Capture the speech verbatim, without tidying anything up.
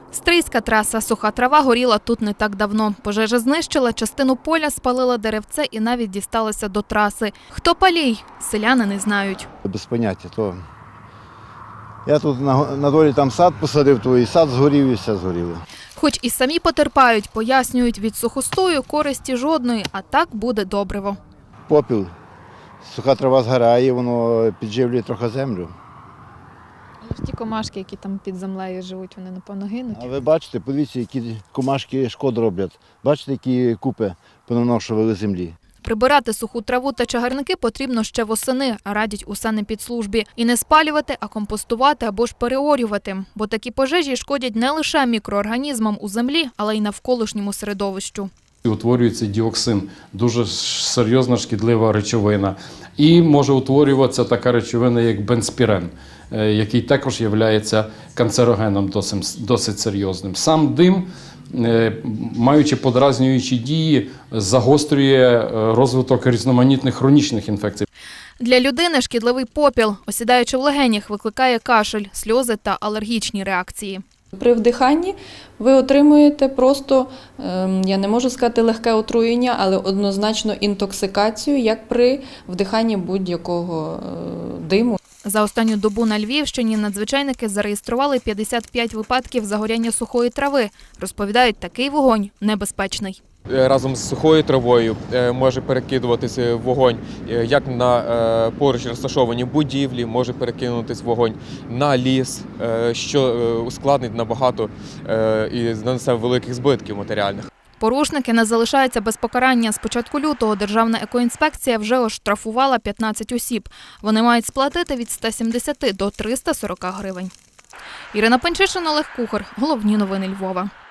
Стрийська траса. Суха трава горіла тут не так давно. Пожежа знищила частину поля, спалила деревце і навіть дісталася до траси. Хто палій? Селяни не знають. Без поняття. То... Я тут на, на долі там сад посадив, то і сад згорів, і все згоріло. Хоч і самі потерпають, пояснюють, від сухостою користі жодної, а так буде добриво. Попіл, суха трава згорає, воно підживлює трохи землю. Але ті комашки, які там під землею живуть, вони, напевно, гинуть. А ви бачите, подивіться, які комашки шкоду роблять. Бачите, які купи понаношували землі. Прибирати суху траву та чагарники потрібно ще восени, радять у санепідслужбі. І не спалювати, а компостувати або ж переорювати. Бо такі пожежі шкодять не лише мікроорганізмам у землі, але й навколишньому середовищу. Утворюється діоксин, дуже серйозна шкідлива речовина. І може утворюватися така речовина, як бензпірен, який також є канцерогеном досить, досить серйозним. Сам дим, маючи подразнюючі дії, загострює розвиток різноманітних хронічних інфекцій. Для людини шкідливий попіл, осідаючи в легенях, викликає кашель, сльози та алергічні реакції. При вдиханні ви отримуєте просто, я не можу сказати легке отруєння, але однозначно інтоксикацію, як при вдиханні будь-якого диму. За останню добу на Львівщині надзвичайники зареєстрували п'ятдесят п'ять випадків загоряння сухої трави. Розповідають, такий вогонь небезпечний. Разом з сухою травою може перекидуватися вогонь як на поруч розташовані будівлі, може перекинутися вогонь на ліс, що ускладнить набагато і нанесе великих збитків матеріальних. Порушники не залишаються без покарання. З початку лютого Державна екоінспекція вже оштрафувала п'ятнадцять осіб. Вони мають сплатити від ста сімдесяти до триста сорока гривень. Ірина Панчишин, Олег Кухар. Головні новини Львова.